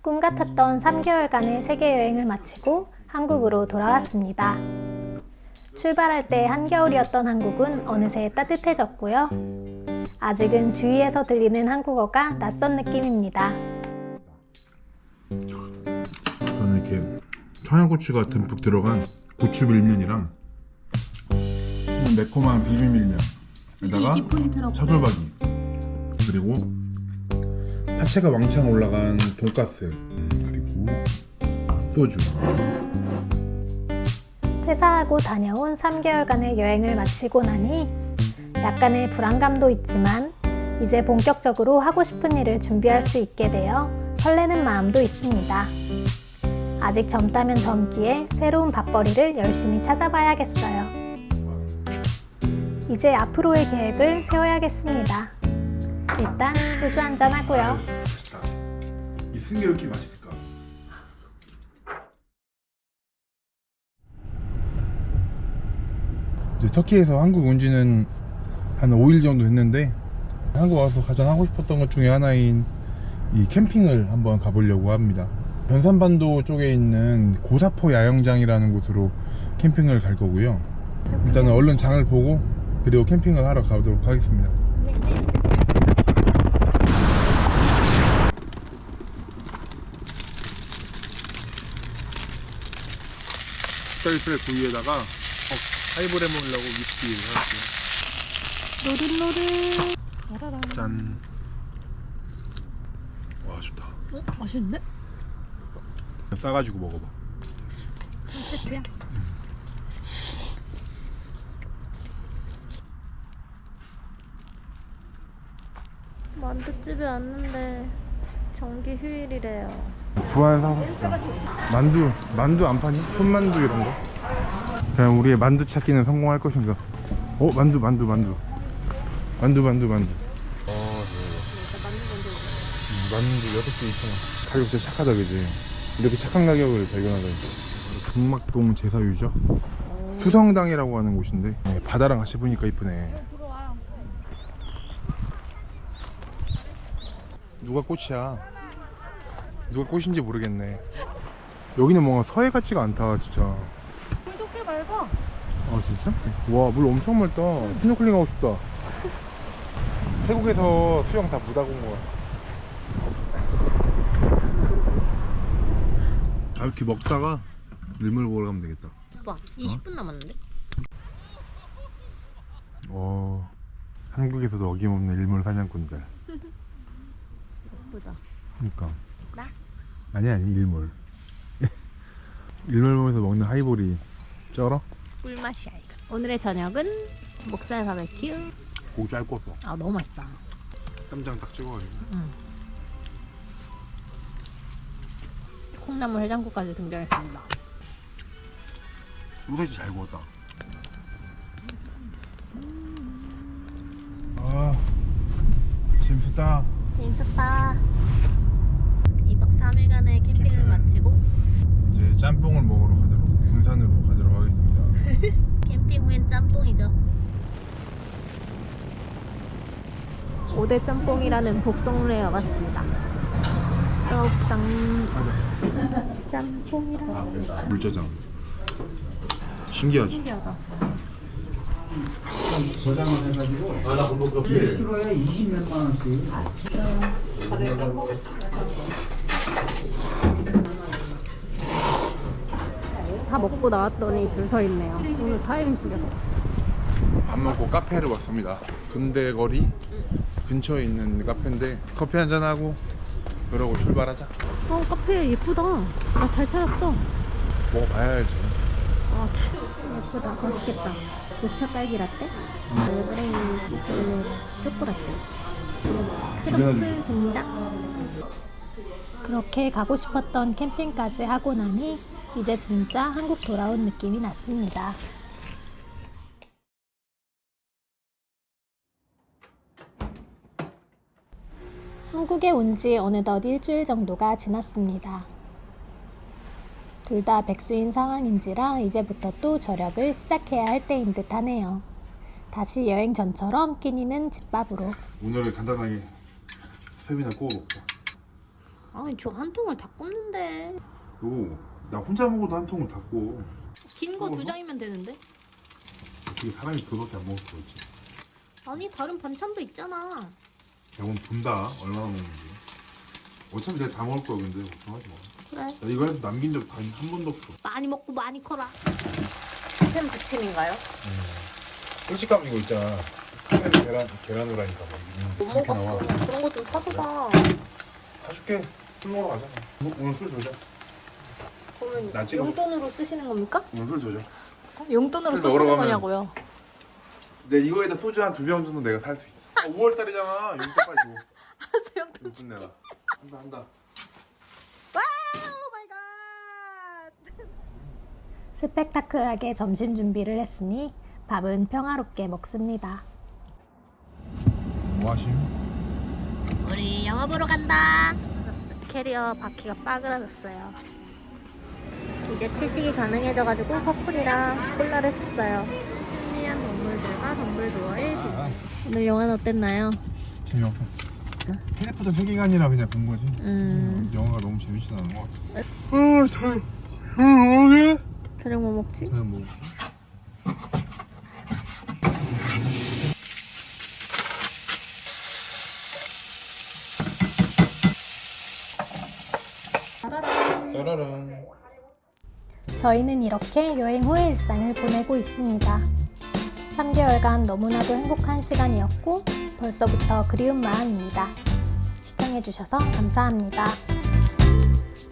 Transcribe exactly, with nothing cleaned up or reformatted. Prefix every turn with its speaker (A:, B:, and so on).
A: 꿈 같았던 삼 개월간의 세계 여행을 마치고 한국으로 돌아왔습니다. 출발할 때 한겨울이었던 한국은 어느새 따뜻해졌고요. 아직은 주위에서 들리는 한국어가 낯선 느낌입니다.
B: 저는 이렇게 청양고추가 듬뿍 들어간 고추 밀면이랑 매콤한 비빔밀면에다가 차돌박이 그리고 파채가 왕창 올라간 돈가스 그리고 소주.
A: 퇴사하고 다녀온 삼 개월간의 여행을 마치고 나니 약간의 불안감도 있지만 이제 본격적으로 하고 싶은 일을 준비할 수 있게 되어 설레는 마음도 있습니다. 아직 젊다면 젊기에 새로운 밥벌이를 열심히 찾아봐야겠어요. 이제 앞으로의 계획을 세워야겠습니다. 일단 소주 한잔 하고요.
B: 이 쓴 게 왜 이렇게 맛있을까? 이제 터키에서 한국 온 지는 한 오 일 정도 됐는데 한국 와서 가장 하고 싶었던 것 중에 하나인 이 캠핑을 한번 가보려고 합니다. 변산반도 쪽에 있는 고사포 야영장이라는 곳으로 캠핑을 갈 거고요. 일단은 얼른 장을 보고 그리고 캠핑을 하러 가도록 하겠습니다. 쌀쌀 구이에다가 어, 하이볼 해먹으려고 위스키를 사왔어요.
A: 노릇노릇.
B: 짠. 와 좋다.
A: 어? 맛있는데?
B: 싸가지고 먹어봐.
A: 세트야? 만두집에 왔는데 정기 휴일이래요.
B: 부활 사고 싶다. 만두, 만두 안 파니? 손만두 이런 거? 그냥 우리의 만두 찾기는 성공할 것인가? 어? 만두, 만두, 만두. 만두, 만두, 만두. 어, 만두 여섯 개 이천 원. 가격 진짜 착하다, 그지? 이렇게 착한 가격을 발견하다니. 금막동 제사유죠? 수성당이라고 하는 곳인데 네, 바다랑 같이 보니까 이쁘네. 누가 꽃이야? 누가 꽃인지 모르겠네. 여기는 뭔가 서해 같지가 않다 진짜.
A: 물도 꽤 맑아.
B: 아 진짜? 와 물 엄청 맑다. 스노클링 하고 싶다. 태국에서 수영 다 못하고 온 거야. 아 이렇게 먹다가 일몰 보러 가면 되겠다.
A: 오빠 이십 분 남았는데?
B: 어 한국에서도 어김없는 일몰 사냥꾼들.
A: 예쁘다.
B: 그니까
A: 나?
B: 아니 아니 일몰. 일몰 보면서 먹는 하이볼이 쩔어?
A: 꿀맛이야 이거. 오늘의 저녁은 목살 바베큐.
B: 고기 잘 구웠어.
A: 아 너무 맛있다.
B: 쌈장 딱 찍어가지고.
A: 응. 콩나물 해장국까지 등장했습니다.
B: 소세지 잘 구웠다. 아 재밌었다.
A: 재밌었다. 이 박 삼 일간의 캠핑을
B: 캠핑을.
A: 마치고
B: 이제 짬뽕을 먹으러 가도록 군산으로 가도록 하겠습니다.
A: 캠핑 후엔 짬뽕이죠. 오 대 짬뽕이라는 복성루에 와봤습니다. 떡상 짬뽕이라.
B: 물짜장. 신기하지?
A: 신기하다.
C: 일 킬로에 이십몇 만 원씩.
A: 다 먹고 나왔더니 줄 서 있네요. 오늘 타이밍 죽여서.
B: 밥 먹고 카페를 왔습니다. 근대거리 근처에 있는 카페인데 커피 한잔 하고 그러고 출발하자.
A: 어 카페 예쁘다. 나 잘 찾았어.
B: 먹어봐야 알지.
A: 아 예쁘다. 맛있겠다. 녹차 딸기 라떼, 얼그레이 초코 라떼, 크로플 분장. 그렇게 가고 싶었던 캠핑까지 하고 나니 이제 진짜 한국 돌아온 느낌이 났습니다. 한국에 온 지 어느덧 일주일 정도가 지났습니다. 둘 다 백수인 상황인지라 이제부터 또 절약을 시작해야 할 때인 듯 하네요. 다시 여행 전처럼 끼니는 집밥으로.
B: 오늘은 간단하게 섭이나 구워 먹자.
A: 아니 저 한 통을 다 굽는데.
B: 요, 나 혼자 먹어도 한 통을 다 구워.
A: 긴 거 두
B: 먹어서?
A: 장이면 되는데?
B: 어떻게 사람이 그거밖에 안 먹을 수가 있지?
A: 아니 다른 반찬도 있잖아.
B: 대본 분다 얼마나 먹는지. 어차피 내가 다 먹을 거야 근데 걱정하지 마.
A: 그래.
B: 나 이거 해서 남긴 적 한 번도 없어.
A: 많이 먹고 많이 커라.
D: 햄 부침인가요?
B: 솔직감 이거 있잖아. 햄 계란 계란 후라니까 막
D: 못
B: 이렇게 나와.
D: 먹었어. 그런 거 좀 사줘봐.
B: 사줄게. 술 먹으러 가자. 뭐, 오늘 술 줘자. 나
D: 그러면
B: 지금-
D: 용돈으로 쓰시는 겁니까?
B: 오늘 술 줘자.
D: 용돈으로
B: 술
D: 쓰시는
B: 넣으러 가면-
D: 거냐고요?
B: 내 이거에다 소주 한 두 병 정도 내가 살 수 있어. 아, 오월 달이잖아. 용돈 빨리 줘.
D: 알았어, 용돈.
B: 용돈 내라. 한다 한다.
D: 와, 오 마이 갓.
A: 스펙타클하게 점심 준비를 했으니 밥은 평화롭게 먹습니다.
B: 뭐 하심?
A: 우리 영화 보러 간다. 캐리어 바퀴가 빠그라졌어요. 이제 채식이 가능해져가지고 퍼플이랑 콜라를 샀어요. 신기한 동물들과 동물도어의
B: 아,
A: 오늘 영화는 어땠나요?
B: 재미없었어. 해리포터 세계관이라 그냥 본 거지.
A: 음.
B: 영화가 너무 재밌진 않은 것 같아. 어, 저, 어, 그래?
A: 저녁 뭐 먹지?
B: 그냥 뭐. 따라랑.
A: 저희는 이렇게 여행 후의 일상을 보내고 있습니다. 삼 개월간 너무나도 행복한 시간이었고 벌써부터 그리운 마음입니다. 시청해주셔서 감사합니다.